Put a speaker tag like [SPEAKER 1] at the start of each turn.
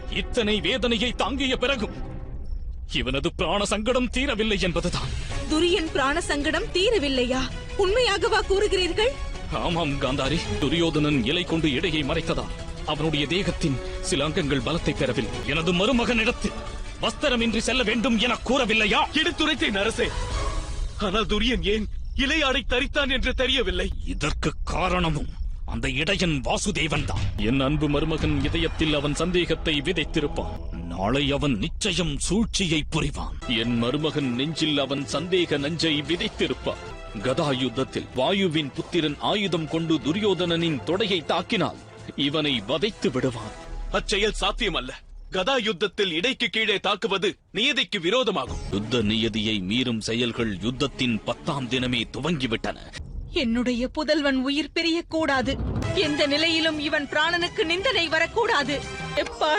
[SPEAKER 1] இத்தனை வேதனையை தாங்கிய பிறகும் இவனது பிராண சங்கடம் தீரவில்லை என்பதுதான்.
[SPEAKER 2] துரியன் பிராண சங்கடம் தீரவில்லையா? உண்மையாகவா கூறுகிறீர்கள்?
[SPEAKER 1] ஆமாம் காந்தாரி, துரியோதனன் இலை கொண்டு இடையை மறைத்ததால் அவனுடைய தேகத்தின் சில அங்கங்கள் பலத்தை பெறவில்லை. எனது மருமகனிடத்தில் வஸ்திரமின்றி செல்ல வேண்டும் என கூறவில்லையா?
[SPEAKER 3] எடுத்துரைத்தேன் அரசே. ஆனால் துரியன் ஏன் இலையாடை தரித்தான் என்று தெரியவில்லை.
[SPEAKER 1] இதற்கு காரணமும் அந்த இடையன் வாசுதேவன் தான். என் அன்பு மருமகன் இதயத்தில் அவன் சந்தேகத்தை விதைத்திருப்பான். நாளை அவன் நிச்சயம் சூழ்ச்சியை புரிவான். என் மருமகன் நெஞ்சில் அவன் சந்தேக நஞ்சை விதைத்திருப்பான். கதா யுத்தத்தில் வாயுவின் புத்திரன் ஆயுதம் கொண்டு துரியோதனனின் தொடையை தாக்கினால் இவனை வதைத்து விடுவான்.
[SPEAKER 3] அச்செயல் சாத்தியமல்ல. கதா யுத்தத்தில் இடைக்கு கீழே தாக்குவது நியதிக்கு விரோதமாகும்.
[SPEAKER 1] யுத்த நியதியை மீறும் செயல்கள் யுத்தத்தின் 10ஆம் தினமே துவங்கிவிட்டன.
[SPEAKER 2] என்னுடைய புதல்வன் உயிர் பிரியக்கூடாது. எந்த நிலையிலும் இவன் பிராணனுக்கு நிந்தனை வரக்கூடாது. எப்பா